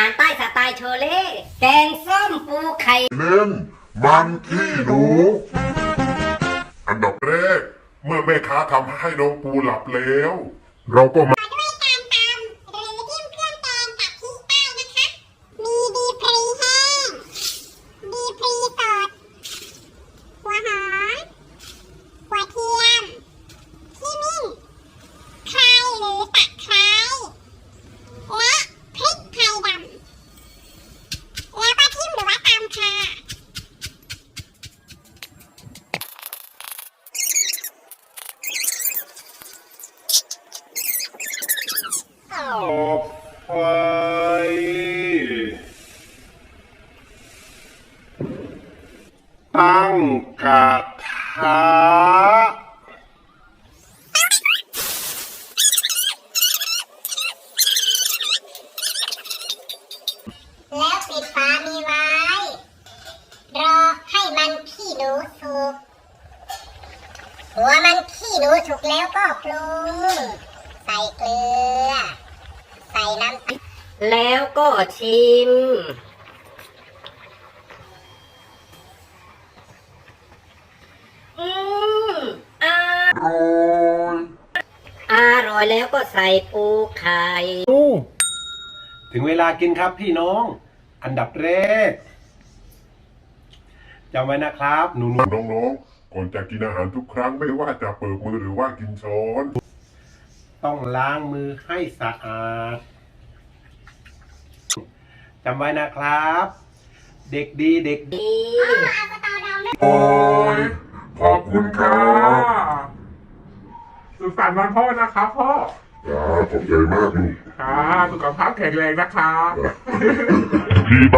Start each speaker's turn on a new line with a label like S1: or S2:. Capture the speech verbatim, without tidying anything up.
S1: ารใต้สไตล์โชเล่แกงส้มปูไข่
S2: เล่นมันขี้หนูอันดับแรกเมื่อแม่ค้าทำให้น้องปูหลับแล้วเราก็มา
S3: ด้วยการตำหรือจิ้มเครื่องแกงกับพริกใต้นะคะ มีดีพรีแห้ง ดีพรีสด หัวหอม หัวเทียมขี้มิ้นไครหรือตะไคร้และพริกไทยดำแล้วก็จิ้มหรือว่าตำค่ะ
S2: ต่อไปตั้งกระทะ
S3: แล้วปิดฝามีไว้ รอให้มันขี้หนูสุกหัวมันขี้หนูสุกแล้วก็ปรุงใส่เกลือ ใส่น้ำ
S1: แล้วก็ชิมอืมอร่อยอร่อยแล้วก็ใส่ปูไข่
S4: ถึงเวลากินครับพี่น้อง อันดับแรกจำไว้นะครับหนูๆ
S2: น้องๆก่อนจะกินอาหารทุกครั้งไม่ว่าจะเปิดมือหรือว่ากินช้อน
S4: ต้องล้างมือให้สะอาดจำไว้นะครับ เด็กดีเด็กดี
S2: โอ้ยขอบคุณครับ
S5: สุขสันต์วันพ่อนะครับพ่อ
S2: ครับขอบใจมากลูก
S5: ครับสุขภาพแข็งแรงนะครับ